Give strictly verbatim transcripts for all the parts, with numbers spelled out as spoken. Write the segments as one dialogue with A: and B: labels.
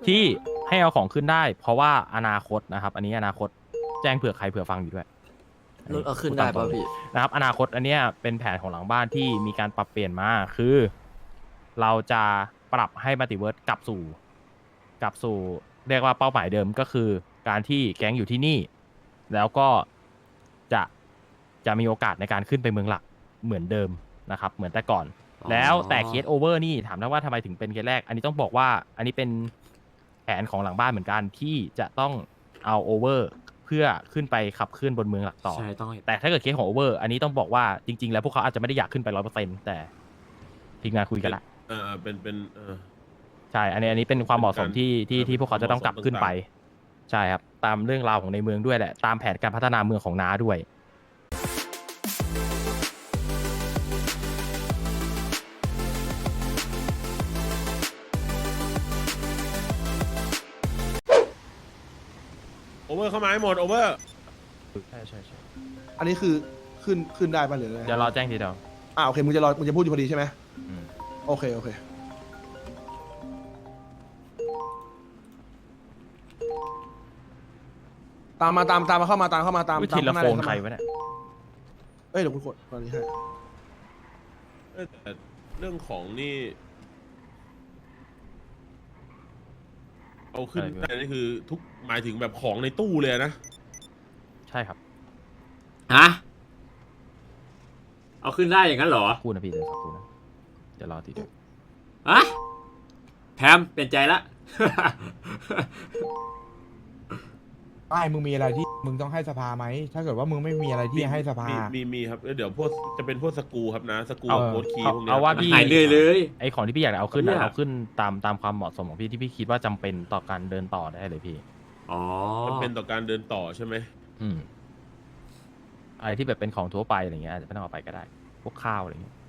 A: ที่ให้เอาของขึ้นได้ เพราะว่าอนาคตนะครับ อันนี้อนาคตแจ้งเผื่อใครเผื่อฟังอยู่ด้วย
B: รถเอาขึ้นได้ป่ะพี่
A: นะครับอนาคตอันเนี้ยเป็นแผนของหลังบ้านที่มีการปรับเปลี่ยนมาคือ เราจะปรับให้มัลติเวิร์สกลับสู่กลับสู่เรียกว่าเป้าหมายเดิมก็คือการที่แก๊งอยู่ที่นี่ แล้วก็จะจะมีโอกาสในการขึ้นไปเมืองหลักเหมือนเดิมนะครับเหมือนแต่ก่อน แล้วแต่เคสโอเวอร์นี่ถามได้ว่าทำไมถึงเป็นเคสแรก อันนี้ต้องบอกว่าอันนี้เป็นแผนของหลังบ้านเหมือนกันที่จะต้องเอาโอเวอร์เพื่อขึ้นไปขับเคลื่อนบนเมืองหลักต่อ
B: ใช่ต้อง
A: แต่ถ้าเกิดเคสของโอเวอร์อันนี้ต้องบอกว่าจริงๆแล้วพวกเขาอาจจะไม่ได้อยากขึ้นไปร้อยเปอร์เซ็นต์แต่ทีมงานคุยกันละ
C: เออเป็นเป็นเออ
A: ใช่ อันนี้อันนี้เป็นความเหมาะสมที่ที่
C: เออ
A: ที่พวกเขาจะต้องกลับขึ้นไป ใช่ครับ ตามเรื่องราวของในเมืองด้วยแหละ ตามแผนการพัฒนาเมืองของน้าด้วย
C: โอเวอร์เข้ามาให้หมดโอเวอร์
A: ใช่ใช่ใช่
D: อันนี้คือขึ้นขึ้นได้ป่ะหรืออะไร
A: เดี๋ยวรอแจ้งทีเดียว
D: อ่าโอเคมึงจะรอมึงจะพูดอยู่พอดีใช่ไหม
A: อืม
D: โอเคโอเคตามมาตามตามมาเข้ามาตามเข้ามาตาม
A: วิ
D: ตาม
A: ธีละ
D: ข้างหน้า
A: โฟ
D: เลย
A: น
D: เข้า
A: ใคร
D: มาว
A: ะเนี่ย
D: เอ้ยเดี๋ยวคุณกดตอนนี้ให้
C: เออแต่เรื่องของนี่ เอาขึ้น
A: อะไรพี่
C: ได้นี่คือทุกหมายถึงแบบของในตู้เลยนะ
A: ใช่ครับ
B: ฮะเอาขึ้นได้อย่างนั้นเหรอ
A: พูดนะพี่เดี๋ยวสักครู่นะ เดี๋ยวรอทีเดียว
B: อะแพมเปลี่ยนใจละ
E: ไม่มึงมีอะไรที่มึงต้องให้สภาไหม ถ้าเกิดว่ามึงไม่มีอะไรที่ให้สภา
C: มีมีมีครับเดี๋ยวพวกจะเป็นพวกสกรูครับนะสกรู
A: เอา
C: โค้ดคีย์
A: เอา
C: พวกเนี้ย
A: เอาว่าพี่
B: หายเลยเลย
A: ไอของที่พี่อยากเอาขึ้น
B: เนี่
A: นะ
B: ย
A: เอาขึ้นตามตามความเหมาะสมของพี่ที่พี่คิดว่าจำเป็นต่อการเดินต่อได้เลยพี่
B: อ๋อ
C: มันเป็นต่อการเดินต่อใช่ไหม
A: อืมอะไรที่แบบเป็นของทั่วไปอะไรเงี้ยอาจจะไม่ต้องเอาไปก็ได้ พวกข้าวอะไรเงี้ย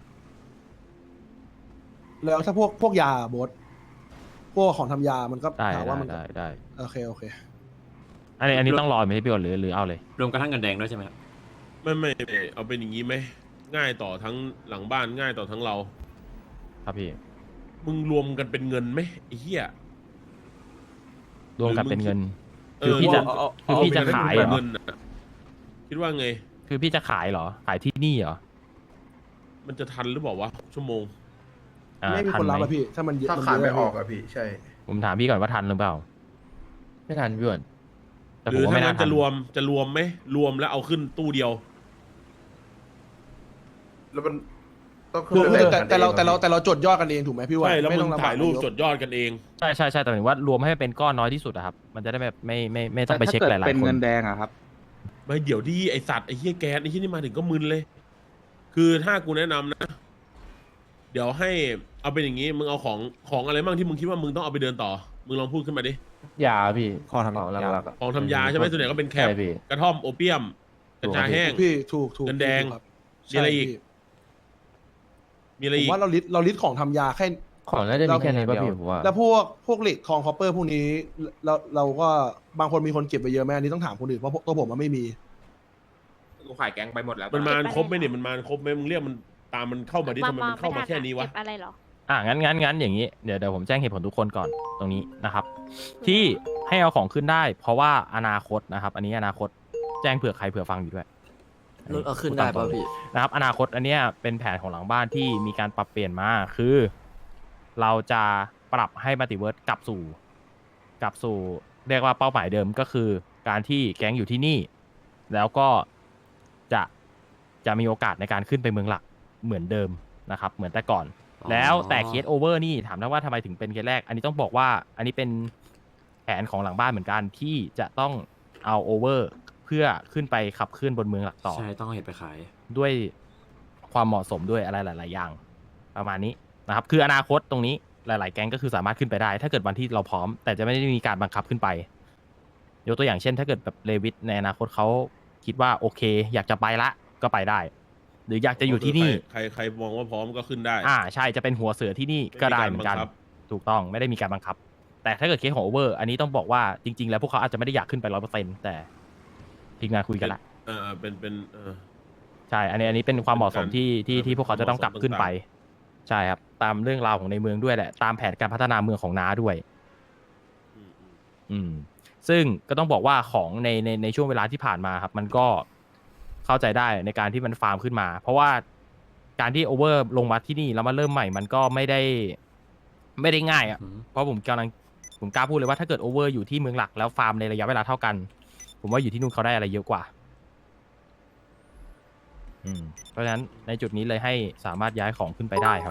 D: แล้วถ้าพวกพวกยาบดพวกของทำยามันก็
A: ได้
D: ถาม
A: ได้
D: ว่ามัน
A: ได้ได้
D: โอเคโอเค
A: อันนี้อันนี้ต้องรอไหมพี่ก่อนหรือหรือเอาเลย
B: รวมกระทั่งเงินแดงด้วยใช่ไหมครับ
C: ไม่ไม่ไม่เอาเป็นอย่างนี้ไหมง่ายต่อทั้งหลังบ้านง่ายต่อทั้งเรา
A: ครับพี่
C: มึงรวมกันเป็นเงินไหมไอ้เหี้ย
A: รวมกันเป็นเงิน
C: เอ
A: คือ
C: อ
A: พี่จะ
C: รวมเอา
A: คือ
C: เอา
A: พี่จะ
C: เป็น
A: ขาย
C: เป็น
A: เหรอ
C: เงินน่ะคิดว่าไง
A: คือพี่จะขายเหรอ ขายที่นี่เหรอ
C: มันจะทันหรือเปล่าวะชั่วโมง
A: อ่า
D: ไม่มี
A: ทัน
D: คน
A: ไห
D: รับ
A: ม
D: อะพี่ ถ้ามันเยอะ
F: ถ้า
D: มัน
F: ขาย
D: เย
F: ไม่
D: อะ
F: ออกอะพี่ ใช่
A: ผมถามพี่ก่อนว่าทันหรือเปล่า
E: ไม่ทันพี่อ้วน
A: แต่
C: ห
A: ผ
C: รื
A: ม
C: อ
A: ว่า
C: ถ้า
A: ไม่
C: งั้
A: น่าน ทั
C: จะ
A: น
C: รวมจะรวมไหมรวมแล้วเอาขึ้นตู้เดียว
F: แล้วมันต้อง
D: คือ
F: แบ่ง
D: แต่
F: กัน
D: แต่เรา
F: อง
D: แต่เราแต่เราจดยอดกันเองถูกไหมพี่ว่า
C: ใช่แล้ว
D: ไม่
C: มึ
D: ต้อง
C: ง
D: ลำบาก
C: ถ่ายรูป
D: นก
C: จดยอดกันเอง
A: ใช่ใช่ใช่แต่หมายถึงว่ารวมให้เป็นก้อนน้อยที่สุดอะครับ มันจะได้แบบไม่ไม่ไม่ต้องไปเช็คหลายๆคน
G: เป็นเงินแดงอะครับ
C: ไม่เดี๋ยวดีไอสัตว์ไอเฮียแก๊สไอเฮียนี่มาถึงก็มึนเลย คือถ้ากูแนะนำนะ เดี๋ยวให้เอาเป็นอย่างนี้มึงเอาของของอะไรบ้างที่มึงคิดว่ามึงต้องเอาไปเดินต่อ มึงลองพูดขึ้นมาดิ
G: ยาพี่
E: ข้อทำ
G: ของหลักๆอะ
C: ของทำยาใช่ไหมส่วนใหญ่ก็เป็นแคป
G: ใช่พี่
C: กระท่อมโอเปียมกัญชาแห้ง
D: พี่ถูกถูก
C: เงินแดง
D: ถูครับ
C: มีอะไรอีก
D: ใช่
C: มีอะไร
D: พี่ผม
C: อีก
D: ว่าเราลิสต์เราลิสต์ของทำยาแค่
G: ของน่าจะมีแค่นี้ป่ะพี่ผมว่า
D: แล้วพวกพวกเหล็กทองคอปเปอร์พวกนี้เราเราก็บางคนมีคนเก็บไปเยอะไหมอันนี้ต้องถามคนอื่นเพราะตัวผมมันไม่มี
H: กูขายแก๊งไปหมดแล้ว
C: มันมาครบไหมเนี่ยมันมาครบไหมมึงเรียกมันตามมันเข้ามาดิทำไมมันเข้ามาแค่นี้วะ
I: เก็บอะไรเหรอ
A: อ่ะงั้นงั้นงั้นอย่างนี้เดี๋ยวเดี๋ยวผมแจ้งเหตุผลทุกคนก่อนตรงนี้นะครับ ที่ให้เอาของขึ้นได้ เพราะว่าอนาคตนะครับ อันนี้อนาคตแจ้งเผื่อใครเผื่อฟังอยู่ด้วย
B: รถเอาขึ้นได้ป่ะพี่
A: นะครับ อนาคตอันเนี้ยเป็นแผนของหลังบ้านที่มีการปรับเปลี่ยนมาคือ เราจะปรับให้มัลติเวิร์สกลับสู่กลับสู่ เรียกว่าเป้าหมายเดิมก็คือ การที่แก๊งอยู่ที่นี่ แล้วก็จะจะมีโอกาสในการขึ้นไปเมืองหลักเหมือนเดิมนะครับ เหมือนแต่ก่อน
B: อ๋อ
A: แล้วแต่เคสโอเวอร์นี่ถามได้ว่าทำไมถึงเป็นเคสแรก อันนี้ต้องบอกว่าอันนี้เป็นแผนของหลังบ้านเหมือนกันที่จะต้องเอาโอเวอร์เพื่อขึ้นไปขับเคลื่อนบนเมืองหลักต่อ
B: ใช่ต้องเอาเห็ดไปขาย
A: ด้วยความเหมาะสมด้วยอะไรหลาย ๆ อย่าง ประมาณนี้นะครับ คืออนาคตตรงนี้หลาย ๆ แก๊งก็คือสามารถขึ้นไปได้ ถ้าเกิดวันที่เราพร้อม แต่จะไม่ได้มีการบังคับขึ้นไป ยกตัวอย่างเช่น ถ้าเกิดแบบเลวิทในอนาคตเขาคิดว่าโอเค อยากจะไปละก็ไปได้ หรืออยากจะอยู่ที่นี่
C: ใครใครมองว่าพร้อมก็ขึ้นได้
A: อ่าใช่จะเป็นหัวเสือที่นี่ก็ได้เหมือนกัน
C: ไม่มีการบังคับ
A: ถูกต้องไม่ได้มีการบังคับ แต่ถ้าเกิดเคสของโอเวอร์อันนี้ต้องบอกว่าจริง ๆ แล้วพวกเขาอาจจะไม่ได้อยากขึ้นไปร้อยเปอร์เซ็นต์แต่ทีมงานคุยกันละ
C: เออเป็นเป็นเออ
A: ใช่ อันนี้อันนี้เป็นความเหมาะสมที่ที่
C: เออ
A: ที่พวกเขาจะต้องกลับขึ้นไป ใช่ครับ ตามเรื่องราวของในเมืองด้วยแหละ ตามแผนการพัฒนาเมืองของน้าด้วย
C: อืมอืม
A: อืมซึ่งก็ต้องบอกว่าของในในในช่วงเวลาที่ผ่านมาครับ มันก็เข้าใจได้ในการที่มันฟาร์มขึ้นมา เพราะว่าการที่โอเวอร์ลงมาที่นี่แล้วมาเริ่มใหม่มันก็ไม่ได้ไม่ได้ง่ายอ่ะ
B: อืม
A: เพราะผมกำลังผมกล้าพูดเลยว่าถ้าเกิดโอเวอร์อยู่ที่เมืองหลักแล้วฟาร์มในระยะเวลาเท่ากัน ผมว่าอยู่ที่นู่นเขาได้อะไรเยอะกว่า อืมเพราะฉะนั้นในจุดนี้เลยให้สามารถย้ายของขึ้นไปได้ครับ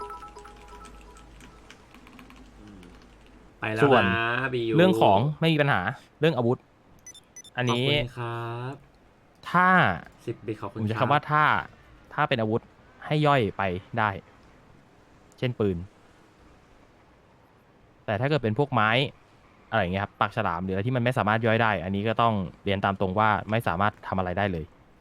C: อืม
B: ไปแล้ว
A: ส่วน
B: นะบียู
A: เรื่องของไม่มีปัญหาเรื่องอาวุธ อัน
B: ขอบ
A: นี้
B: คุณครับ
A: ถ้า
B: สิบบิตขอบ
A: ผ
B: คุณ
A: มจะ
B: รับ
A: คำว่าถ้าถ้าเป็นอาวุธให้ย่อยไปได้ เช่นปืน แต่ถ้าเกิดเป็นพวกไม้อะไรอย่างเงี้ยครับปากฉลามหรืออะไรที่มันไม่สามารถย่อยได้ อันนี้ก็ต้องเรียนตามตรงว่าไม่สามารถทำอะไรได้เลย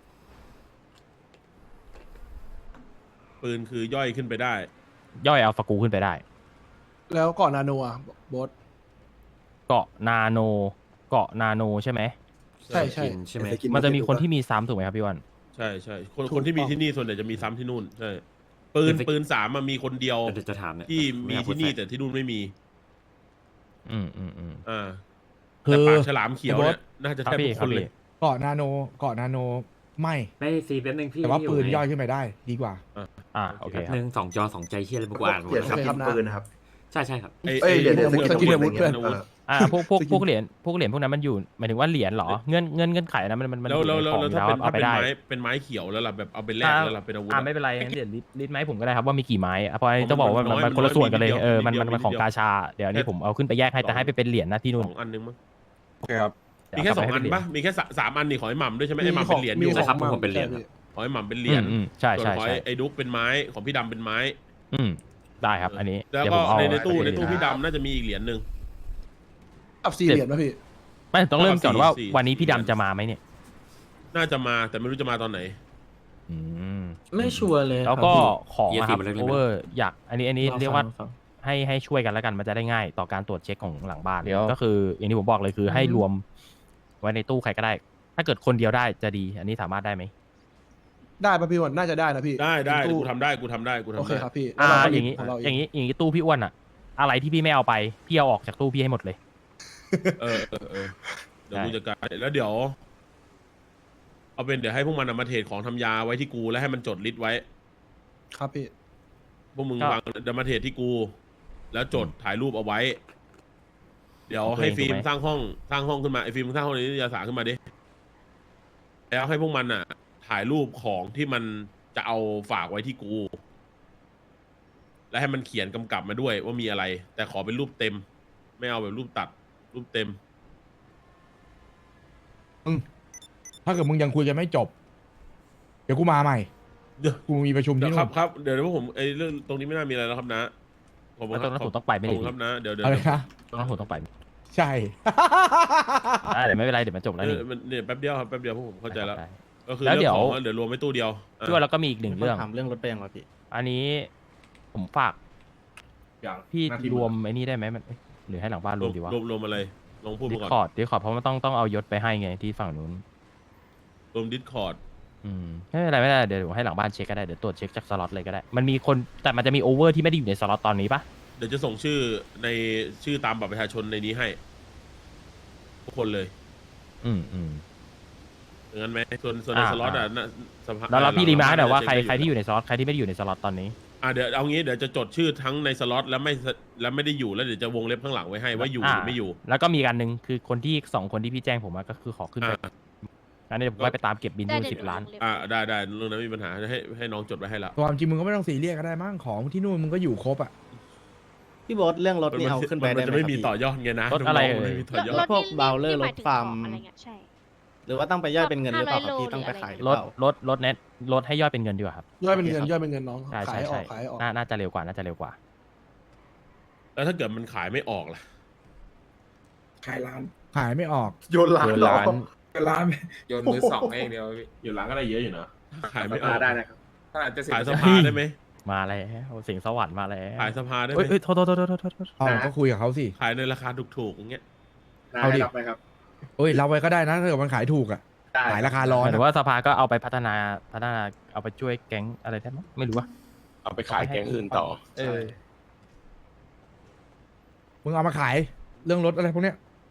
C: ปืนคือย่อยขึ้นไปได้
A: ย่อยเอาฟากูขึ้นไปได้
D: แล้วก่อนนาโนอ่ะบอส
A: เกาะนาโน เกาะนาโนใช่ไหม
D: ใช่ใช่
B: กินใช่ไหม
A: มันจะมีคนที่มีซ้ำถูกไหมครับพี่วัน
C: ใช่ใช่คน
D: ถูก
C: คนที่มี
D: ต้อง
C: ที่นี่ส่วนใหญ่จะมีซ้ำที่นู่นใช่ปืน
B: เป็น
C: ปืนสามมันมีคนเดียว
B: เดี๋ยวจะถามเนี่ย
C: ที่มี
B: ไอยากพูด
C: ที่นี่
B: แทรก
C: แต่ที่นู่นไม่มี
A: อืมอืมอืม
C: อ่า
E: คือ
C: แต่ปากฉลามเขียว
E: ไอ้บอ
C: เนี่
E: ส
C: ยน่าจะ
A: ครั
C: แท
A: บบ พี่
C: ทุก
A: ค
C: ครับ นเลย
A: พี่
E: เกาะนาโนเกาะนาโนไม่
B: ไม่ซีแป๊บนึงพี่
E: แต่ว่า
B: พี่
E: ปืน
B: ไง
E: ย่อยขึ้นไปได้ดีกว่า
A: อ่าโอเค
B: แป๊บ
A: ครับ
B: นึงสองจอสองใจเฮียอะไรบุกอ่านหมด
F: เปลี่ยน
B: นะ
F: ส
B: ครับ
F: กินปืนนะครับ
B: ใช่ใช่ครับ
C: ไอ้
F: เอ้ยเดี๋ยวเดี๋ยว
C: ไอ้
F: สกิน
C: อา
F: อา
C: วุ
F: วุ
C: ธ
F: ธ
C: อาวุธ
F: เพื่อน
C: อาวุธ
A: อ่าพวกพวกพวกเหรียญพวกเหรียญพวกนั้นมันอยู่หมายถึงว่าเหรียญเหรอเงื่อนเงื่อนเงื่อนไขนะมันมันมัน
C: แล้ว
A: อยู่
C: แล้ว
A: ใน
C: แล้ว
A: ของอ
C: แล้ว
A: ยู่
C: ถ้า
A: แล้ว
C: เป็น
A: เอา
C: ถ้า
A: ไป
C: เป็น
A: ได้
C: ไม้เป็นไม้เขียวแล้วล่ะแบบเอาไปแลก
A: อ่า
C: แล้วล่ะเป็นอาวุธ
A: อ่า
C: อะ
A: ไม่เป็นไรงั้นเดี๋ยวลิสต์ลิสต์ไหมาให้ผมก็ได้ครับว่ามีกี่ไม้อ่ะเพราะอันนี้
C: ผม
A: ต้องบอกว่า
C: มันน้อย
A: มัน
C: มัน
A: คนละส่วนกันเลย
C: น้อย
A: เออมัน
C: นิดเดียว
A: มันมันของ
C: นิดเดียว
A: กาชาเดี๋ยวอันนี้ผมเอาขึ้นไปแยกให้แต่ให้ไปเป็นเหรียญนะที่นู่น
C: สองอันนึงมั้ง
A: เดี๋ยว
C: มีแค่
A: เา
C: สอง
A: ไปให้
C: อัน
A: เป็เหรียญ
C: ปะมีแค่สาสามอันนี่ขอให้หม่ำด้วยใช่ไหมไอ้หม่ำ
D: ข
C: เป็
D: อน ง
C: เหรียญอ
D: มี
C: ยู่
D: ข
B: ใช่
D: อง
B: ครับ
D: า
B: ผมเป็นเหรียญ
D: ใช่
B: ครับ
C: ขอให้หม่ำเป็นเหรียญ
A: อืมอืมใช่
C: ส่วน
A: ใช่
C: ขอ
A: ใช่
C: ให้ไอ้ดุ๊กเป็นไม้ของพี่ดำเป็นไม้
A: อืมได้ครับ อันนี้
C: แล้ว
A: เดี๋ยว
C: ก็
A: ผมเอา
C: ในในตู้
A: ไป
C: ในตู้
A: ให้
C: พี่ดำน่าจะมีอีกเหรียญหนึ่ง
D: กับสี่เหรียญป่ะพี่
A: ไม่ต้องเริ่มก่อนว่า
C: สี่
A: วันนี้พี่
C: สี่
A: ดำจะมาไหมเนี่ย
C: น่าจะมาแต่ไม่รู้จะมาตอนไหน
A: อืม
B: ไม่ชัวร์เลย
A: แล้วก็
B: ครับพี่
A: ของนะครับ
B: เยอะสิมันเล็กๆ
A: โอเวอร์อยากอันนี้อันนี้
B: ลอง
A: เรียกว่า
B: ฟังฟัง
A: ให้ให้ช่วยกันแล้วกันมันจะได้ง่ายต่อการตรวจเช็คของหลังบ้าน
G: เดี๋ยว
A: ก็คือ อย่างที่ผมบอกเลยคือให้รวมไว้ในตู้ใครก็ได้ ถ้าเกิดคนเดียวได้จะดี อันนี้สามารถได้ไหม
D: ได้ป่ะพี่วันน่าจะได้นะพี่
C: ได้ได้
D: ตู้
C: กูทำได้กูทำได้กูทำ
D: โอเค
C: ได้
D: ครับพี่
A: อ่า
D: แล้วเรก็
A: อย่างนี้
D: ขเราเ
A: อย่างนี้อย่างนี้ตู้พี่อ้วนอะอะไรที่พี่ไม่เอาไปพี่เอาออกจากตู้พี่ให้หมดเลย
C: เออเออเออเดี๋ยว
A: ได้
C: กูจัดการแล้วเดี๋ยว เอาเป็นเดี๋ยวให้พวกมันเอามาเทรดของทำยาไว้ที่กูแล้วให้มันจดลิสต์ไว้
D: ครับพี่
C: พวกมึงวางเดี๋ยวมาเทรดที่กู แล้วจดถ่ายรูปเอาไว้ เดี๋ยวให้ฟิล์มสร้างห้องสร้างห้องขึ้นมาไอ้ฟิล์มสร้างห้องนี้ยาสาขึ้นมาดิแล้วให้พวกมันอ่ะ ถ่ายรูปของที่มันจะเอาฝากไว้ที่กู และให้มันเขียนกำกับมาด้วยว่ามีอะไร แต่ขอเป็นรูปเต็ม ไม่เอาแบบรูปตัด รูปเต็ม
E: ถ้าเกิดมึงยังคุยกันไม่จบ เดี๋ยวกูมาใหม่
C: เดี๋ยว
E: กูมีประชุม
C: เดี๋ย
E: ที่
C: วค
E: นู่
C: รับ
E: น
C: ครับเดี๋ยวเดี๋ยวผมไอ้เรื่องตรงนี้ไม่น่ามีอะไรแล้วครับนะขอบคุณ
A: แล้ว
C: ค
A: ต
C: รั
A: รง
C: บ
A: นั้นผมต้องไปไม่
C: ขอบ
A: ได้
C: คุณครับนะเดี๋ยวเดี๋ยว
E: อะไรนะ
A: ตรงนั้นผมต้องไป
E: ใช่
A: อ่าเดี๋ยวไม่เป็นไรเดี๋ยวมันจบแล้ว
C: เอ
A: นี่
C: อมันเนี่ยแป๊บเดียวครับแป๊บเดียวพวกผมเข้าใจแล้ว
A: ได้
C: ก็คือ
A: แล้ว
C: เรื่อง
A: เดี๋ยว
C: ของเดี๋ยวรวมไว้ตู้เดียวอ่ะ
A: ช่วยแล้วก็มีอีกหนึ่งเรื่อง
B: ถามเรื่องรถไปยังวะพี่
A: อันนี้ผมฝาก
H: อย่าง
A: พี่
H: หน้าที่
A: รวมไอ้นี่ได้ไหมมันเอ๊ะหรือให้หลังบ้าน
C: ร
A: ร
C: ว
A: ว
C: ม
A: มดีวะ
C: รวมรวมอะไรลองพูด
A: ดิ
C: มา
A: ส
C: ก่อน
A: คอร์ดดิสคอร์ดเพราะมันต้องต้องเอายศไปให้ไงที่ฝั่งนู้น
C: รวมดิสคอร์ด
A: อืมไม่เป็นไรไม่เป็นไรเดี๋ยวผมให้หลังบ้านเช็คก็ได้เดี๋ยวตรวจเช็คจากสล็อตเลยก็ได้ มันมีคนแต่มันจะมีโอเวอร์ที่ไม่ได้อยู่ในสล็อตตอนนี้ปะ
C: เดี๋ยวจะส่งชื่อในชื่อตามบัตรประชาชนในนี้ให้ทุกคนเลย
A: อืมอืม
C: อย่างนั้นไหมส่วนส่วนใน
A: อ่า
C: สล็อตอ่ะ
A: อ่า
C: น่ะสภา
A: แล้วเราพี่รีมาร์คหน่อยว่าใคร
C: เช็
A: ใครที่อยู่ในสล็อตใครที่ไม่ได้อยู่ในสล็อตตอนนี้
C: อ่ะเดี๋ยวเอางี้เดี๋ยวจะจดชื่อทั้งในสล็อตแล้วไม่แล้วไม่ได้อยู่แล้วเดี๋ยวจะวงเล็บข้างหลังไว้ให้ว่าอยู่หรือไม่อยู่
A: แล้วก็มีการหนึ่งคือคนที่สองคนที่พี่แจ้งผมมาก็คือขอขึ้นไป
C: อ่า
A: งั้นเดี๋ยวผมไว้ไปตามเก็บบิน
I: ได้
A: ดู
I: เดี๋ยว
A: สิบล้าน
I: เดี๋ยว
C: อ่าได้ได้เรื่องนั้นไม่มีปัญหาให้ให้น้องจดไว้ให้แล้ว
E: ความจริงมึงก็ไม่ต้องซีเรียสก็ได้มั้งของที่นู่นมึงก็อยู่ครบอ่ะ
B: พี่โบ๊ทเรื่องรถนี่เอาขึ้นไป
C: มั
B: ได้
C: จะ
B: ไหม
C: ไม่
B: ครับ
C: มี
B: พี่
C: ต่อยอดไงนะ
A: รถอะไร
C: น้งๆ
A: เอ่ย
C: ไม่มีต่อยอด
B: พวก
I: นี่
B: เบลเลอร์
I: นี่หมย
B: รถ
I: ถึง
B: ฟาร์ม
I: ของอะไรเงี้ยใช่
B: หรือว่าต้องไปย่อยเป็นเงินหรือเปล่าครับพี่
I: ห้าร้อย
B: ต้องไป
I: โล
B: ขายหรือ
A: ลด
B: เปล่า
A: ลดลดเน็ตลดให้ยอดเป็นเงินดีกว่าครับ
D: ย่อยเป็นเงิน
B: โอเคครับ
D: ย่อยเป็นเงินน้อง
A: ใช่
D: ขา
A: ใช่
D: ยออ
A: ใช่
D: กขายออก
A: น่าน่าจะเร็วกว่าน่าจะเร็วกว่า
C: แล้วถ้าเกิดมันขายไม่ออกล่ะ
F: ขายร้าน
E: ขายไม่ออก
F: โยนร้าน
A: โยน
F: เหรอ
A: ร้าน
F: โยนร้าน
H: โยนมือสองให้อย่างเดียวพี่
C: อยู่หลังก็ได้เยอะอยู่นะขายไม่ออก
H: ได้นะครับถ้าอาจจะเสร็จ
C: ขายสภาได้ไหม
A: มาแล้วเสียงสวรรค์มาแล้ว
C: ขายสภาได้ไห
A: เอ้ย
C: ม
A: เอ้ยโทษโทษโทษโทษโทษโทษ
E: เอาก็คุยกับเขาสิ
C: ขายในราคาถูกๆอย่างเงี้ย
E: เอาดิ
H: ได้รับไหมครับ
E: เอ้ยเราไว้ก็ได้นะถ้าเกิดมันขายถูกอ่ะ
H: ได้
E: ขายราคาร้อ
A: ห
E: น
A: มายถึ
E: อะ
A: งว่าสภาก็เอาไปพัฒนาพัฒนาเอาไปช่วยแก๊งอะไรได้ไหมไม่รู้ว่า
H: เอาไปขายแก๊งอื่นต่อ
A: เออ
E: มึงเอามาขายเรื่องรถอะไรพวกเนี้ย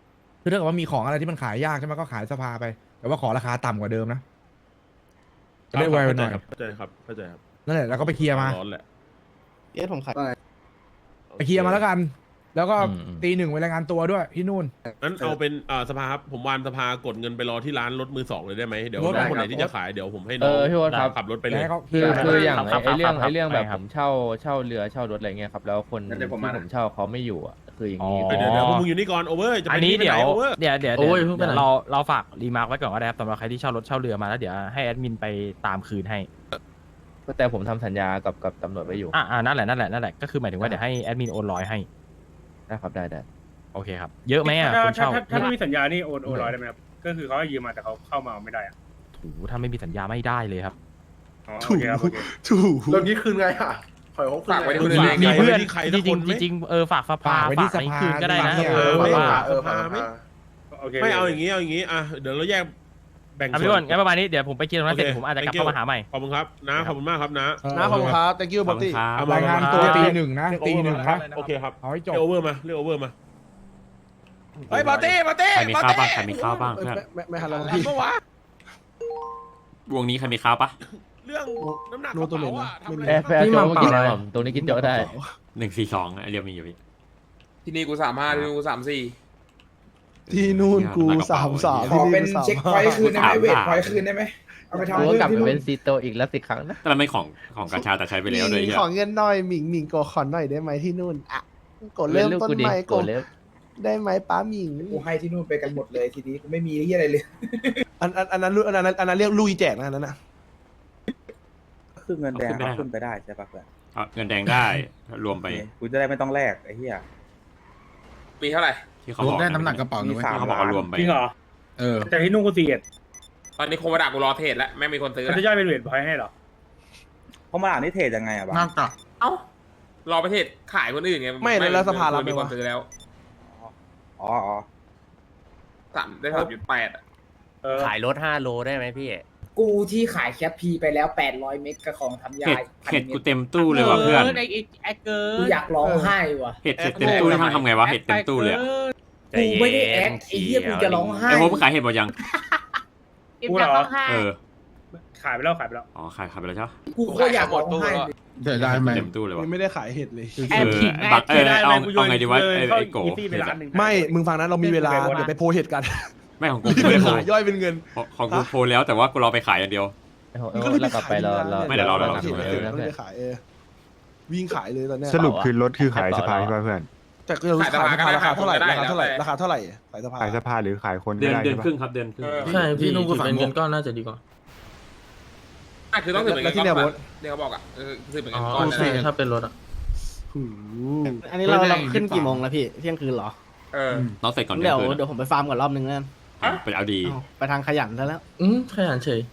E: คือถ้าเกิดว่ามีของอะไรที่มันขายยากใช่ไหมก็ขายสภาไป แต่ว่าขอราคาต่ำกว่าเดิมนะจะได้ไวไปหน่อย
C: เข้าใจครับเข้าใจครับ
E: นั่นแหละแล้วก็ไปเคลียร์มา
C: ร้อนแหละ
B: เอ๊ะผมขาย
E: ไปเคลียร์มาแล้วกัน แล้วก็
A: อืมอืม
E: ตีหนึ่งไปรายงานตัวด้วยที่นู่น
C: งั้นเอาเป็นอ่าสภาครับผมวานสภากดเงินไปรอที่ร้านรถมือสองเลยได้ไหมเดี๋ยว
E: รถ
C: น้องคนไหน
E: ได้ครับ
C: ที่จะขายเดี๋ยวผมให้
G: เอ
C: น้อง
G: อพี่วอครับ
C: ขับรถไปเลย
E: ให้เขาเคลี
G: คื
E: ย
G: อ
E: ร์
G: คืออย่าง
A: ครับ
G: ไอ้เรื่อง
A: ครับ
G: ไอ้เรื่องแบบ
A: ใช่ครับ
G: ผมเช่าเช่าเรือเช่ารถอะไรเงี้ยครับแล้วคน
H: งั้นเดี๋
G: ที่
H: ยวผม
G: ผ
H: มานะ
G: มเช่าเขาไม่อยู่อ่ะคืออย่างนี้
A: อ๋อ
C: เดี๋ยวเดี๋ยวพวกมึงอยู่นี่ก่อนโอเวอร์จะไป
A: อันนี้
C: ที่
A: เดี๋ยว
C: โอเวอร์
A: เดี๋ยวเดี๋ยว
B: โอ้
A: เดี๋ยวย
B: เพิ่งไปไหน
A: เราเราฝากรีมาร์กไว้ก่อนก็ได้ครับสำหรับใครที่เช่ารถเช่าเรือมาแล้วเดี๋ยวให้แอดมินไปตามคืนให้
G: แต่ผมทำสัญญากับกับตำรวจไว้อยู่
A: อ่าอ่านั่นแหละนั่นแหละนั่นแหละก็คือหมายถึงว่าเดี๋ยวให้แอดมินโอนร้อยให้
G: ได้ครับได้ได้
A: โอเคครับเยอะไหมอ่ะ
I: ถ้า
A: คน
I: ถ้า
A: เช่า
I: ถ้าถ้าไม่มีสัญญานี่โอนโอนร้อยได้ไหมครับ ก็คือเขาให้ยืมมาแต่เขาเข้ามาเอาไม่ได้อะ
A: ถูถ้าไม่มีสัญญาไม่ได้เลยครับ
I: อ๋อโอเคครับโอเค
D: ถูก
F: แล้วนี้คืนไงอ่ะปล่อยเขาคืน
H: ฝากไว้
F: ไง
H: ที่คนอื่นเอง
A: มี
C: ไง
A: เพื่อน
C: ที่ใคร
A: จ
C: สั
A: ริ
C: ก
A: ง
C: คนไหม
A: ๆจริงๆเออฝากสภา
E: ฝากไว้ที่
A: ฝากใน
E: สภา
A: คืนก็ได้นะ
E: เนี่ย
A: เออ
C: เออ
A: ว่า
F: เออ
C: สภาไหม
I: โอเค
C: ไม่เอาอย่างงี้เอาอย่างงี้อ่ะเดี๋ยวเราแยกแบ่ง
A: อ่ะ
C: ส่
A: พี่
C: ว
A: อ้น
C: น
A: งั้นประมาณนี้เดี๋ยวผมไปเคลียร์ตรงนั้นเสร็จ
C: โอเค
A: ผมอาจจะกลับ
C: thank you
A: เข้ามาหาใหม่
C: ขอบคุณครับนะขอบคุณมากครับนะ
D: นะขอบคุณครับ thank you บ๊อบตี้
C: เอาม
E: รายงานตัว
A: ครับ
E: ตีหนึ่งนะตีหนึ่งนะ
C: โอเคครับ
E: เอาให้จบ
C: เรียกโอเวอร์มาเรียกโอเวอร์มา
H: เฮ้ยบอตี้บอตี้
J: ใครมีข้าวบ้างใครมีข้าวบ้าง
D: เออ
J: เพื่อน
D: ไม่ไม่ไม่ทันแล้วนะพี่
C: เมื่อวาน
J: วงนี้ใครมีข้าวปะ
C: เรื่องน้ำหนัก
D: โน้ตตัวเหม็น
C: กระ
D: นะ
C: เป๋าอะทำอะไร
G: แอร์แฟร์
B: พี่
G: โจ๊
B: มั
G: ก
B: ง
G: กิน
B: เปล่า
G: ผมตรงนี้กินโจ๊กได้
J: หนึ่งสี่สองไอเรียวมีอยู่พี่
H: ที่นี่กูสามห้าที่นี่กูสามสี่
D: ที่นู่นกูสามสาม
F: ขอเป็น
D: ที่
F: เช็คพอยต์คืนได้ไหมเวทพอยต์คืนได้ไหมเอาไปทำ
G: กู
F: เพิ่
G: ก็
F: ม
G: กลับไป
F: ที่นู่
G: เป็น นซีโตอีกแล้วสิครั้งนะ
J: แต่มันเป็นของของกาชาแต่ใช้ไปแล้วด้วย
D: หมิง
J: เหี้ย
D: ขอเงินหน่อยหมิงหมิงโกขอหน่อยได้ไหมที่นู่นอ่ะกดเริ่ม
G: ลูก
D: ต้น
G: กูดิ
D: ใหม่
G: โก
D: ก
G: ร
D: ด
G: ธเล็บ
D: ได้ไหมป้าหมิง
F: กูให้ที่นู่นไปกันหมดเลยทีนี้กูไม่มีที่อะไรเลย
D: อันอันอันนั้นอันนั้นอันนั้นเรียกลุยแจกนะอันนั้นนะ
F: คือเงินแดงเอาขึ้นไปได้ใช่ปะเพื่อน
J: เอาเงินแดงได้รวมไป
F: กูจะได้ไม่ต้องแลกไอ้เหี้ย
H: ปีเท่าไหร่
J: ที่เขาบอก
F: ได้น้ำหนักกระเป๋าด้วย
J: ที่เขาบอกว่ารวมไป
I: จริงเหรอ
F: เออ
I: แต่ที่นู่นกูสี่เอ็ด
H: ตอนนี้โคมาดากูรอเทรดแล้วไม่มีคนซื้อ
I: เขา
H: แล้ว
I: จะย่อยเป็นเวทพอยต์ให้เหรอ
F: เพราะมาอ่านนี่เทรดยังไงอะบ้าง
H: เอ้ารอประเทศขายคนอื่นไง
D: ไม่แล้วแล้วสภารับไหม
H: มีคน
D: วะ
H: ซื้อแล้ว
F: อ๋ออ๋อ
H: สามได้สามจุดแปดอะ
I: เออ
J: ขายรถห้าโลได้ไหมพี่
F: กูที่ขายแคปพีไปแล้วแปดร้อยเมกกับของทำยา
J: เห็ด
F: พัน
J: เห็ด
F: เม
J: กู
F: ตร
J: เต็มตู้เลยว่ะเพื่อน
F: กูอยากร้องไห้ว่ะ
J: เห็ดเห็ดเต็มตู้นี่ทำไงวะเห็ดเต็มตู้เลยอะ
F: กูไม่ได้แอคไอ้เหี้ยกูจะร้องไห้
J: ไอ้โฮมขายเห็ดหมดยัง
I: กูเหรอ
J: เออ
I: ขายไปแล้วขายไปแล้ว
J: อ๋อขายขายไปแล้วใช่ปะ
F: กูก็อยากร้องไห้เลย
D: เดี๋ยวได้ไหม
J: เต็มตู้เลยว่ะ
D: ไม่ได้ขายเห็ดเลย
J: เออบักเออเอาเอาไงดีวะไอ้ไอ้โก
I: อีซี่ไปร้านหนึ่ง
D: ไม่มึงฟังนะเรามีเวลาเดี๋ยวไปโพสเห็ดกัน
J: ไม่ของกู
D: รีบ
J: ไม่
D: ไป
J: ได้โพ
D: ขายย่อยเป็นเงิน
J: ของกูโพลแล้วแต่ว่ากูรอไปขายอย่างเดียว
G: ไอ้โห
D: มึงก็เลย
G: แล้วกลับไปรอรอ
J: ไม่เดี๋ยวรอรอ
D: เห็ด
J: รอ
D: เห็ดก็เลยไปขายเออวิ่งขายเลยตอนเนี้ย
G: สรุปคือรถคือขายสภา
D: แต่ก็จะขายสภาราคาเท่าไหร่ราคาเท่าไหร่ราคาเท่าไหร่ขายสภา
G: ขายสภาหรือขายคน
J: เดือนเดือนครึ่งครับเดือนครึ่ง
B: ใช่พี่นุ่งกูฝังเงินก้อนน่าจะดีกว่า
H: อ่ะคือต้องถือเป็น
D: แล้ว
H: เงิน
D: ที่
H: ก้
D: เนี่
H: อย น
D: โบ๊ท
H: เนี่ยเขาบอกอ่ะเออถือเป็นเงิ
B: อ๋อน
H: ก้อน
B: กู
H: นะ
B: สี่ถ้าเป็นรถอ่ะ
D: หู
B: อันนี้เราเราขึ้นกี่โมงแล้วพี่เที่ยงคืนเหรอ
H: เออ
J: น้องเสร็จก่อน
B: เดี๋ยว
J: คืน
B: เดี๋ยวผมไปฟาร์มก่อนรอบนึงนั่น
J: ไปเอาดี
B: ไปทางขยันซะแล้ว อืมขยันเฉย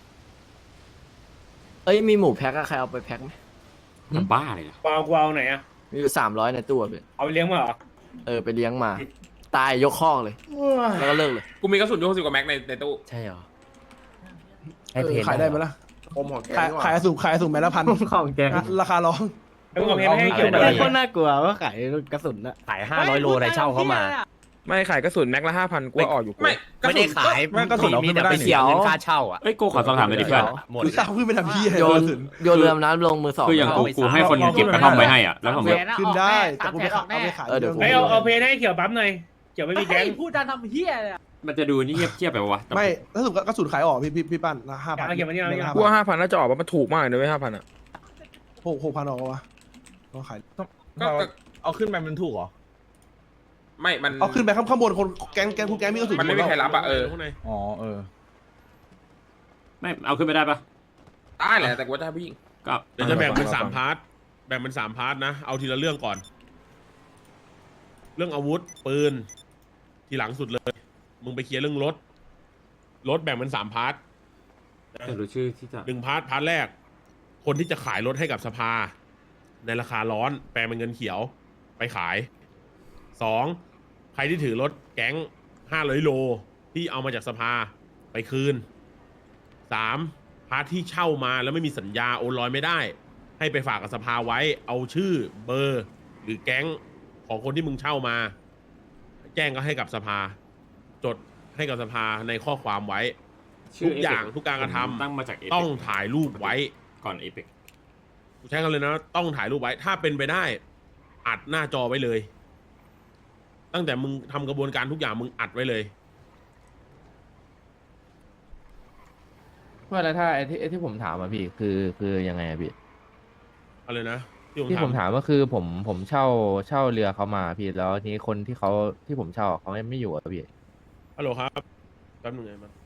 B: เอ้ยมีหมูแพ็คอะใครเอาไปแพ็คไหม
J: ทำบ้าเลยนะ
I: กูเอากูเอาไหนอะ
B: มีอยู่สามร้อยในตู้อะพี่
I: เอาไปเลี้ยงมาเหรอ
B: เออไปเลี้ยงมา ตายยกข้องเลย แล้วก็เลิกเลย
H: กูมีกระสุนอยู่หกสิบกว่าแม็กในในตู้
B: ใช่เหรอ
D: เออขายได้ไหมล่ะ
F: อมของแก
D: ขายขายสูงขายสูงแม้ละพัน
B: ของแก
D: ราคาร้อง
I: แล้วมึงเอาเพลงให้เกี่ยว
B: แต่
I: กับอะไร
B: โคตรน่ากลัวว่าขายกระสุนอะ
A: ขายห้าร้อยโลได้เช่าเข้ามา
H: ไม่ขายกระสุนแม็กละห้าพันกูออกอยู่ไม่
A: ไม่ได้ขาย
D: ไม่กระสุนเอาขึ้นไม่ได้
A: เสียเงินค่าเช่าอ่ะ
J: เอ้ยกูขอสอบถามหน่อยดิเพื่อน
A: หมด
D: หรือเอาขึ้นไปทำพี่
B: โยนโยนเรือมน้ำลงมือสอง
J: คืออย่างกูกูให้คนเก็บกระท่อมไว้ให้อ่ะแล้วผมแบบ
D: ขึ้นได้แต่กูไปขายเอาไปขาย
B: เออเดี๋ยว
I: ไม่เอาเอาเพลงให้เขียวปั๊มหน่อยเขียวไม่มีแก๊ง
B: พูดดันทำเฮียเลย
J: มันจะดูนี่เงียบเทียบไปวะ
D: ไม่ถ้าสุดกระสุนขายออกพี่พี่พี่ปั้นละห้าพัน
I: เอาเขียวมานี่เอาเขียว
H: กูว่าห้าพันน่าจะออกว่ามันถูกมากเลยเว้ยห้าพันอ่ะ
D: หกหกพันออกวะก็ขาย
H: ก็
E: เอาขึ้นไปมันถูกเหรอ
H: ไม่มัน
D: เอาขึ้นไปข้างข้างบนคนแก๊งแก๊งคุณแก๊งมีกระสุน
H: มันไม่มีใครรับอะเออ
E: อ๋อเออ
J: ไม่เอาขึ้นไปได้ปะ
H: ได้แหละแต่กูว่าจะให้ผู้หญิง
J: ก็
C: เดี๋ยวจะแบ่งเป็นสามพาร์ทแบ่งเป็นสามพาร์ทนะเอาทีละเรื่องก่อน เรื่องอาวุธปืนทีหลังสุดเลย มึงไปเคลียร์เรื่องรถรถแบ่งเป็นสามพาร์ท
J: แต่รู้ชื่อที่จะ
C: หนึ่งพาร์ทพาร์ทแรก คนที่จะขายรถให้กับสภา ในราคาร้อนแปลงเป็นเงินเขียวไปขายสองใครที่ถือรถแก๊งห้าร้อยโลที่เอามาจากสภาไปคืนสามพาร์ทที่เช่ามาแล้วไม่มีสัญญาโอนลอยไม่ได้ ให้ไปฝากกับสภาไว้เอาชื่อเบอร์ หรือแก๊งของคนที่มึงเช่ามา แจ้งก็ให้กับสภาจดให้กับสภาในข้อความไว้
J: ชื่
C: ทุกอย่าง
J: Apex
C: ทุกการกระท
J: ผมตั้งมาจาก Apex
C: ำต้องถ่ายรูปไว้
J: ก่อนเอพิก
C: กูใช้คำเลยนะต้องถ่ายรูปไว้ ถ้าเป็นไปได้ อัดหน้าจอไว้เลย ตั้งแต่มึงทำกระบวนการทุกอย่างมึงอัดไว้เลย
G: ว่าแล้วถ้าไอ้ที่ไอ้ที่ผมถามอะพี่คือคือยังไงอะพี่
C: อะไรนะ
G: ที่ผมถามก็คือผมผมเช่าเช่าเรือเขามาพี่แล้วทีนี้คนที่เขาที่ผมเช่าเขาไม่ไม่อยู่อะพี่
C: ฮัลโหลครับแป๊บนึงไงมัน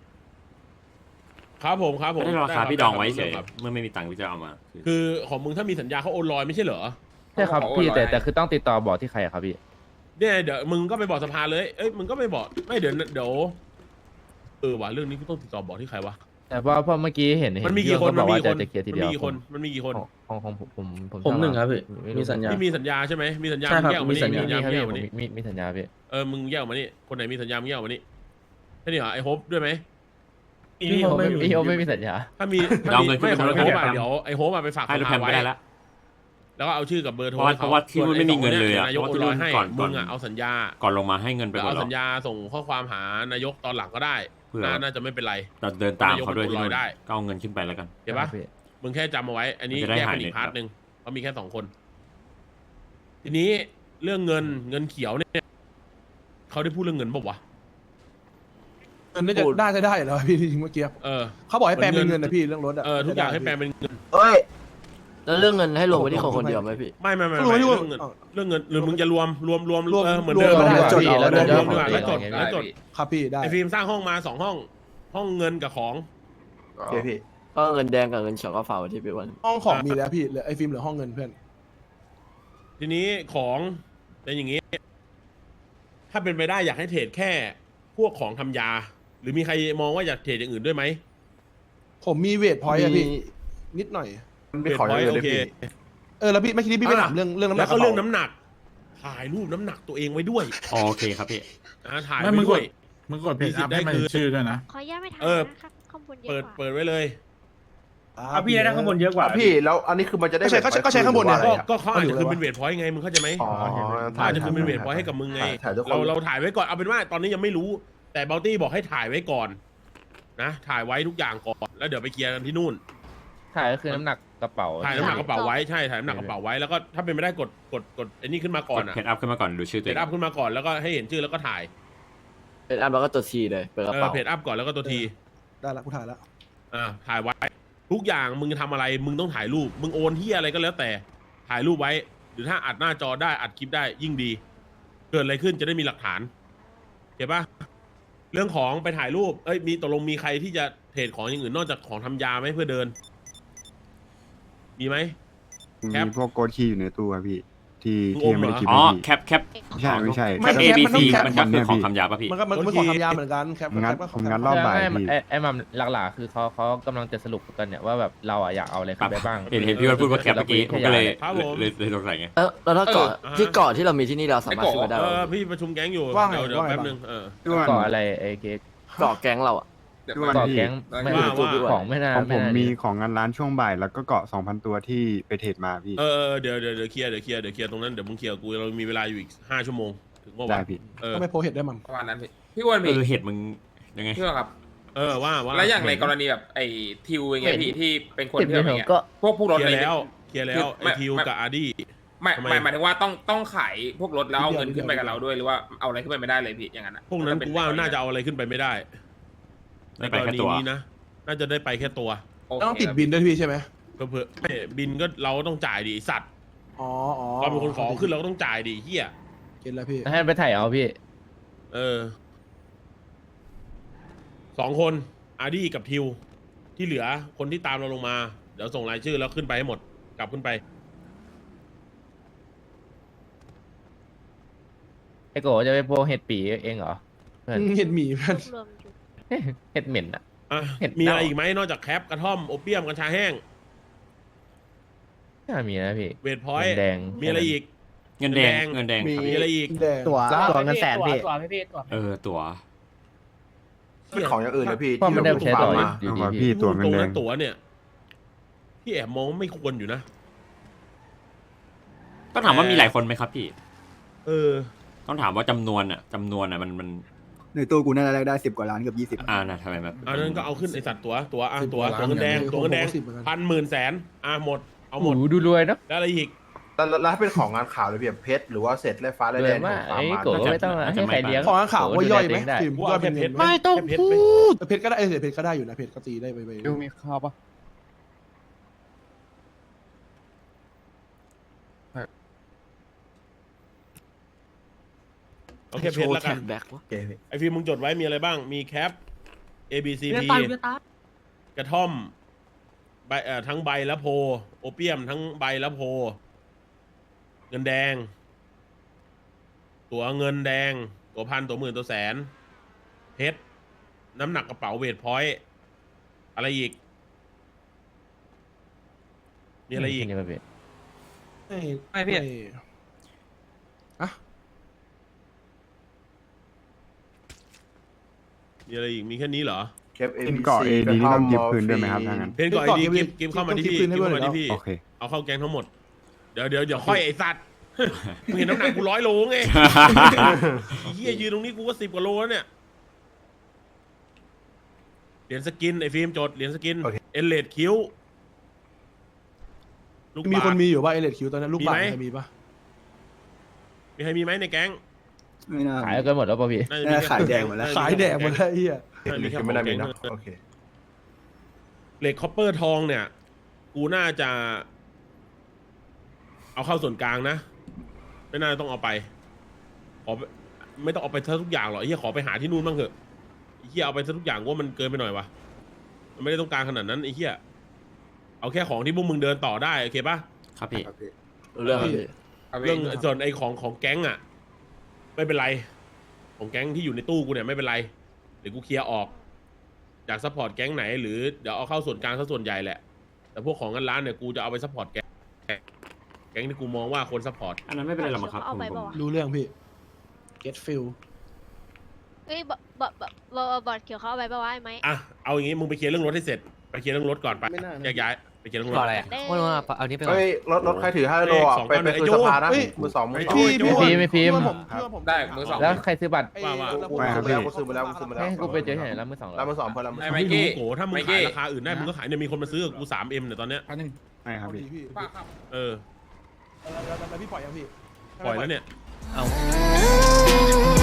C: ครับผมครับผม
J: ไม่ได้ราคา
C: บ
J: พี่ดองไว้เฉย
C: ครับ
J: เมื่อไม่มีตังค์พี่จะเอามาคือ
C: คือของมึงถ้ามีสัญญาเขาโอนลอยไม่ใช่เหรอ
G: ใช่ครับ
H: เขาบอก
G: พี่
H: ว่า
G: แต่
H: ร้อย
G: แต่คือต้องติดต่อบอกที่ใครอะครับพี่
C: เนี่ยเดี๋ยวมึงก็ไปบอกสภาเลย เอ้ยมึงก็ไปบอกไม่เดี๋ยวเดี๋ยวเออว่ะเรื่องนี้กูต้องติดต่อบอกที่ใครวะ
G: แต่ว่าเพราะเมื่อกี้เห็นเห็
C: มัน
G: น
C: มี
G: พี่
C: กี่คน
G: เขาบอกว่า
C: มันมี
G: จะ
C: กี่คน
G: จะเคลียร์ที
C: มัน
G: เดียว
C: มีกี่คนมันมีกี่คน
G: ของของของผมผม
F: ผมหนึ่งครับพี่
G: ไรู้
F: มีสัญญา
C: ที่มีสัญญาใช่ไหมมีสัญญา
F: ใช่
C: มึ
F: ครับ
C: งแยกออกมานี่
F: มีสัญญา
C: มีสัญญา
G: มี
C: มึง
G: ค
C: แย
G: รับ
C: กออกมา
G: พี่
C: นี่
G: ผมมีมีสัญญาพี่
C: เออมึงแยกออกมานี่คนไหนมีสัญญามึงแยกออกมานี่แค่นี้เหรอไอ้โฮปด้วยไหม
G: พี่ผมไม่พี่ผมไม่มีสัญญา
C: ถ้ามีถ้า
J: เอา
C: มี
J: เงินขึ้น
C: ไม่
J: ไป
C: ของ
J: บนรถ
C: ไอ้โฮป
J: แค
C: อะ
J: ป
C: เดี๋ยวไอ้โฮปอะไปฝาก
J: ให้รถ
C: ส
J: แค
C: ภา
J: ป
C: ไว้
J: ไม่ได้ละ
C: แล้วก็เอาชื่อกับเบอร์โทร
J: เพราะว่าเพราะว่าที่นู่นไม่มีเงินเลยอะ
C: นายก
J: เพ
C: โอ
J: ราะ
C: น
J: ว่าที่
C: ลอยให้
J: ก่อนก่
C: มึ
J: อน
C: งอะเอาสัญญา
J: ก่อนลงมาให้เงินไป
C: แล้ว
J: ก่อน
C: เอา
J: แล้ว
C: สัญญาส่งข้อความหานายกตอนหลังก็ได้
J: เผื่อ
C: น่าน่าจะไม่เป็นไร
J: เราเดินตามเขาด้วยที่
C: นายก
J: นู่น
C: ได้
J: ก็เอาเงินขึ้นไปแล้วกัน
C: เห็นปะมึงแค่จำเอาไว้ อันนี้
J: มันจะได้
C: แยกเป็น
J: หาย
C: อีกพาร์ท
J: เน็ต
C: หนึ่งเพราะมีแค่สองคน ทีนี้เรื่องเงินเงินเขียวเนี่ยเขาได้พูดเรื่องเงินบอกวะ
D: เงินน่าจะน่าจะได้แล้วพี่จริงเมื่อกี้
C: เออ
D: เขาบอกให้แปลงเป็นเงินนะพี่เรื่องรถอะ
C: เออทุกอย่างให้แปลเป็นเงิน
B: เอ้ย แล้วเรื่องเงินให้รวมไว้ที่คนคนเดียวไหมพี่
C: ไม่ไม่ไม่
D: ก็รวม
C: ไม่
D: ที่
C: เรื่
D: ว่า
C: องเงินเรื่องเงินหรือมึงจะรวมรวมรวม
D: รวม
C: เออเหมือน
D: รวม
C: เดิม
D: ก็ได้
C: แล้ว
D: จด
C: จด
D: เอา
C: แล้ว
D: แล้ว
C: รวมดีกว่า
D: แล้
C: แล้ว วจด
H: ได้
C: แล้วจด
H: พี่
D: ครับพี่ได้
C: ไอฟิล์มสร้างห้องมาสองห้อง ห้องเงินกับของ
B: โอเคพี่ ก็เงินแดงกับเงินเขียวก็ฝากไว้ที่พี่วัน
D: ห้องของมีแล้วพี่เหลือไอ้ฟิล์มเหลือห้องเงินเพื่อน
C: ทีนี้ของเป็นอย่างนี้ ถ้าเป็นไปได้อยากให้เทรดแค่พวกของทำยา หรือมีใครมองว่าอยากเทรดอย่างอื่นด้วยไหม
D: ผมมีเวทพอยต์อะพี่นิดหน่อย
G: มันเป็นของอย่างอื่นเลยพี่
D: เออแล้วพี่ไม่คิดที่พี่ไปถามเรื่องเรื่องน้ำหนั
C: แล้
D: ก
C: วก็เรื่อง
D: กะป๋า
C: น้ำหนัก ถ่ายรูปน้ำหนักตัวเองไว้ด้วย
J: อ๋อโอเคครับพี่
C: นะถ่าย
I: ไม่
C: ไว้
I: มึงก
C: ด้ว
I: ด
C: ย
I: มึงกดเพจ
C: มีสิท
I: อั
C: ธิ์
I: พให้มัน
C: ได้คืน
I: ชื่อด้วยนะ
K: ขออนุญาตไม่ถาม
C: เออ
K: นะครับข้อมูลเยอะ
C: เปิด
K: กว่า
C: เปิดไว้เลย
I: อ่ะพี่ได้ข้างบนเยอะกว่า
G: พี่แล้วอันนี้คือมันจะได้
D: ก็ใช้ก็ใช้ก็ใช้ข้างบนเนี่ย
C: ก็ก็เขาอาจจะคือเป็นเวทพอยต์ไงมึงเข้าใจไหม
G: อ๋อ
C: เขาอาจจะคือเป็นเวทพอยต์ให้กับมึงไง
G: ถ่ายทุกคน
C: เราเราถ่ายไว้ก่อนเอาเป็นว่าตอนนี้ยังไม่รู้ แต่เบลตี้บอกให้ถ่ายไว้ก่อน นะ ถ่ายไว้ทุกอย่างก่อนแล้วเดี๋ยวไปเคลียร์กันที่นู่น
G: ถ่ายก็คือน้ำหนักกระเป๋า
C: ถ่ายน้ำหนักกระเป๋าไว้ใช่ถ่ายน้ำหนักกระเป๋าไว้แล้วก็ถ้าเป็นไม่ได้กดกดกดไอ้นี่ขึ้นมาก่
J: ก
C: อน
J: ด
C: อ่ะ
J: เพจอัพขึ้นมาก่อนดูชื่อตัว
C: เพ
J: เอ
C: จ
J: ง
C: อัพขึ้นมาก่อนแล้วก็ให้เห็นชื่อแล้วก็ถ่าย
B: เป็นอันแล้วก็ตัวทีเลยเปิดกระ
C: เออ
B: เป๋า
C: เพจอัพก่อนแล้วก็ตัวที
D: ได้ละกูถ่ายละ
C: อ่าถ่ายไว้ ทุกอย่างมึงจะทำอะไรมึงต้องถ่ายรูป มึงโอนที่อะไรก็แล้วแต่ถ่ายรูปไว้ หรือถ้าอัดหน้าจอได้อัดคลิปได้ยิ่งดี เกิดอะไรขึ้นจะได้มีหลักฐานเห็นปะเรื่องของไปถ่ายรูปเอ้ยมีตกลงมีใครที่จะเทรดของอย่างอื่นนอกจากของทำยาไหมเพื่อเดิน มีไหม แคป
G: มีพวกโกดคีย์อยู่ในตู้อะพี่ ที่
C: มึง
G: ที่ยังไม่ได้
C: อมเหรอ
G: คิด
J: อ๋อ
G: ให้พี่
J: แคปแคป
G: ไม่ใช่ไม่ใช่
J: แคป A B C มันก็คือของคำยาป่ะพี่
D: มันก็มันมันของทำยาเหมือนกันแคป
G: งัด
D: แคปก็ข
G: ผ
D: อง
G: ม
D: ทำ
G: งั
D: ยา
G: ดรอบบ่ายไอ้พี่ไอ้ไอ้มัมหลักๆคือเขาเขากำลังจะสรุปกันเนี่ยว่าแบบเราอะอยากเอาอะไรขึ้นไปบ้าง
J: เห็นเห็นพี่วันพูดว่าแคปเมื่อกี้ผมก็เลย
C: ครับผม
J: เลยเลยสงสัยไง
B: แล้วแล้วถ้าเกาะ
C: เออ
B: ที่เกาะที่เรามีที่นี่เราสามารถขึ้นไปได้
C: เอ
B: ไหม
C: อพี่ประชุมแก๊งอยู่
D: ว่าไง
C: เดี๋ยวเดี๋ยว
D: ว่าไง
C: แป๊บ
D: บ้าง
C: นึงเออ
G: พี่วันก่ออะไรไอ้เค้ก
B: เกาะแก๊งเราอะ
H: เดี๋ยว
G: พี่วันก่อพี่แก๊งไม่
C: ว่าว่า
G: ของไม่น่าของผม ไน่ามีของงานร้านช่วงบ่ายแล้วก็เกาะสองพันตัวที่ไปเทรดมาพี่
C: เออเออเดี๋ยวเดี๋ยวเดี๋ยวเคลียร์เดี๋ยวเคลียร์เดี๋ยวเคลียร์ตรงนั้นเดี๋ยวมึงเคลียร์กูเรามีเวลาอยู่อีกห้าชั่วโมงถึงเมื่อ
G: ได้
C: วาน
G: พี่
C: เออ
D: ก็ไม่โพสเห็ดได้มั้ง
H: ประมาณนั้นพี่พี่อ้วน
J: เอ
H: พี่
J: อเห็ดมึงยังไง
H: พี่อ้วนครับ
C: เออว่าว่า
H: แล้วอย่างในกรณีแบบไอ้ทิวอย่างเงี้ยพี่ที่เป็นคน
G: เห็น
H: ที่แบบ
G: เห
H: อ
G: ร
H: ย่าง
G: อ
H: เงี้ย
G: ก็
H: พวกผู้รถ
C: เคลี
H: อะ
C: ย
H: ไร
C: ร์แล้ว
H: เนี่ย
C: เคลียร์แล้ว
H: ไม่
C: ไอทิว
H: ไม่
C: กับอาร์ดี้
H: ไม่
C: ทำไม
H: ไม่หมายถึงว่าต้องต้องขายพวกรถแล้วเอาเงินขึ้นไปกับเราด้วยหรือว่าเอาอะไรขึ้นไปไม่ได้เลยพี่อย่างนั้นอะ
C: พวกนั้นกูว่าน่าจะเอาอะไรขึ้นไปไม่ได้
J: ได้ไปแค่ตัว
C: ในกรณีนี้นะน่าจะได้ไปแค่ตัว
H: โเค
D: ต้องติดบินด้วยพี่ใช่ไหม
C: เผื่อๆไม่บินก็เราต้องจ่ายดิไอ้สัตว์
D: อ๋ออ๋อ
C: เราเป็นคนขอขึ้นเราก็ต้องจ่ายดิเฮีย
D: เก็ตแล้วพี่
G: ให้ไปถ่ายเอาพี่
C: เออสองคนอาร์ดี้กับทิว ที่เหลือคนที่ตามเราลงมา เดี๋ยวส่งรายชื่อแล้วขึ้นไปให้หมด กลับขึ้นไป
G: ไอ้โกจะไปโพเห็ดปีเองเหรอเพื่อน
D: เห็ดหมี่เพื่อน
K: รวมอยู่
G: เห็ดเหม็นอะ
C: อ่ะ
G: เห็ด
C: มีอะไร
G: เน่า
C: อีกไหมนอกจากแคปกระท่อมโอเปียมกัญชาแห้ง
G: น่ามีนะพี่
C: เวทพอยต์
G: แดง
C: มีอะไรอีก
J: เงินแดง
C: เงิ
J: เงิ
C: น
J: น
C: แด
J: แด
C: ง
J: งครับ
C: มีอะไรอีก
D: แดง
E: ตัวตัวเงินแสนพี่
J: เออตั๋ว
G: เป็นของอย่างอื่นนะพี่เพราะมันได้ใช้ต่ออยู่อยู่ดีพี่พี่ตัว
C: พูด
G: เงิ
C: ตร
G: น
C: ง
G: แด
C: นั้
G: ง
C: นตั๋วเนี่ยพี่แอบมองว่าไม่ควรอยู่นะ
J: ต้องถามว่ามีหลายคนไหมครับพี่
C: เออ
J: ต้องถามว่าจำนวนอ่ะจำนวนอ่ะมันมัน
F: ในตู้กูน่าจะได้สิบกว่าล้านเกือบยี่สิบ
J: อ่านะทำไมแบบ
C: อันนั้นก็เอาขึ้นไอสัตว์ตัวตัวอ่ะ
D: สิบ
C: ตัว
D: กว่า
C: ตัว
D: ล้าน
C: เงินแดง
D: เนี่ย
C: ตัวเงินแดง
D: ผมก็สิบเหมือนกัน
C: พันหมื่นแสนอ่ะหมดเอาหมด
G: โอ้โหดูรวยเนอะ
C: แล้วอะไรอีก
K: แล้วแล้วถ้าเป็นของงานข่าวเลยแบบเพชรหรือว่าเศษแร่ฟ้าแร่
G: ร
K: แด
G: วย
K: ง
G: มาก
K: ของฟาร์
G: ไอ้
K: มมา
G: โกะไม่ต้องให้ใครเลี้ยง
D: ของข่าวว่าย่อยไหม
G: โกะดูแลตัวเงได้
D: ฟิล์ม
C: กู
D: ย่อ
C: เอา
D: ยเป็
C: แค่
D: น
C: เพ
D: เงิ
C: ช
D: น
C: ร
D: ไหม
C: ไม่ต้องเพชรไหม
D: แต่เพชรก็ได้เออเพชรก็ได้อยู่นะเพชรก็ตีได้ไปไป
G: ดูมีข้าวปะ
C: เอาแค่เพชรแล้วกัน
B: แบ็ควะ
K: โอเคพี่
C: ไอฟิล์มมึงจดไว้มีอะไรบ้าง มีแคป A B C P กระท่อมใบเอ่อทั้งใบและโพ โอเปียมทั้งใบและโพ เงินแดง ตัวเงินแดง ตัวพันตัวหมื่นตัวแสน เพชร น้ำหนักกระเป๋าเวทพอยต์อะไรอีก มีอะไรอีก
G: นี่ป่ะพี่
D: ไม่
A: ไม่พี่
D: อะ
C: มีอะไรอีก มีแค่นี้เหรอ
K: เคปเอ็นเกาะเอดีนี่ต้องยิบคืนด้วยไหมครับถ้างั้น
C: เพนก่อนดีกิฟกิฟเข้ามาที่พี่กิฟเข้ามาที่พี่
K: โอเค
C: เอาเข้าแกงทั้งหมด เดี๋ยวเดี๋ยวเดี๋ยวค่อยไอสัตว์ มึงเห็นน้ำหนักกูร้อยโลไง ไอ้เหี้ยยืนตรงนี้กูก็สิบกว่าโลแล้วเนี่ย เหรียญสกินไอ้ฟิล์มจดเหรียญสกิน
K: โอเค
C: เอเลดคิ้ว ลูก
D: มี
C: บา
D: คน
C: ศก์
D: มีอยู่ว่าเอเลดคิวตอนนั้นลูกบาศก์
C: มีไหม
D: ใครมีปะ
C: มีใครมีไหมในแก๊ง
F: ไม่น่า
G: ขายกันหมดแล้วป่ะพี่
C: น่าจะมี
F: น่า
C: แค่
F: ขายแดงหมดแล้ว
D: ขายแดกหมดแล้วไอ้เหี้ย
C: น่าจะมีแค่
K: ไม่ได้มีนะ
C: ของแก๊ง
K: โอเค
C: เหล็กคอปเปอร์ทองเนี่ย กูน่าจะ เอาเข้าส่วนกลางนะ ไม่น่าต้องเอาไป ขอไม่ต้องเอาไปซะทุกอย่างหรอกไอ้เหี้ยขอไปหาที่นู่นบ้างเถอะไอ้เหี้ยเอาไปซะทุกอย่างว่ามันเกินไปหน่อยวะมันไม่ได้ต้องการขนาดนั้นไอ้เหี้ยเอาแค่ของที่พวกมึงเดินต่อได้โอเคปะ
J: ครับพี่
B: เรื่องอะไร
C: เรื่องส่วนไอ้ของของแก๊งอ่ะ ไม่เป็นไร ของแก๊งที่อยู่ในตู้กูเนี่ยไม่เป็นไรเดี๋ยวกูเคลียร์ออกอยากซัพพอร์ตแก๊งไหนหรือเดี๋ยวเอาเข้าส่วนกลางซะส่วนใหญ่แหละแต่พวกของเงินร้านเนี่ยกูจะเอาไปซัพพอร์ตแก๊งแก๊งที่กูมองว่าควรซัพพอร์ต
J: อันนั้นไม่เป็นไรหรอกมั้งครับผมผม
D: รู้เรื่องพี่ get feel
L: เอ้ยบอบอบอบอบอดเขียวเขาเอาไปปะวะไอ้ไหม
C: อ่ะเอาอย่างงี้มึงไปเคลียร์เรื่องรถให้เสร็จไปเคลียร์เรื่องรถก่อนไป
D: ไม่น่านะ
C: แยกย้ายไปเคลียร์เรื่องรถ
L: ได้
A: เอานี้ไปก่อน
K: เฮ้ยรถรถใครถือห้าโลอ่ะไปไปคืนสภานะมือสองมือสอง
D: พี่
C: โจ้
D: พี่
G: ไม่พิมพ์
D: เพื่อนผมเพื่อนผม
H: ได้มือสอง
G: แล้วใครซื้อบัตร
D: ไอ้
C: ว่าว่า
D: แล้ว
K: ไม่ครับ
D: ผม
K: พี่กูซื้อมาแล้วกูซื้อมาแล้ว
G: ให้กูไปเจอที่ไหนแล้วมือสองเหรอ
K: แล้วมือสองเพื่อนแล้ว
H: ไอ้
C: ไม่
H: ไมกี้
C: รู้โกถ้ามึง
H: ไม
C: ขา
H: กี้
C: ยราคาอื่นได้มึงก็ขายเนี่ยมีคนมาซื้อกับกูสามเอ็มเนี่ยตอนเนี้ย
E: อันนึง
K: ไม่ครับพี่
D: พี่
C: เออ
D: แล้วแล้วแล้วพี่ปล่อยยังพี่
C: ปล่อยแล้วเนี่ย
A: เอา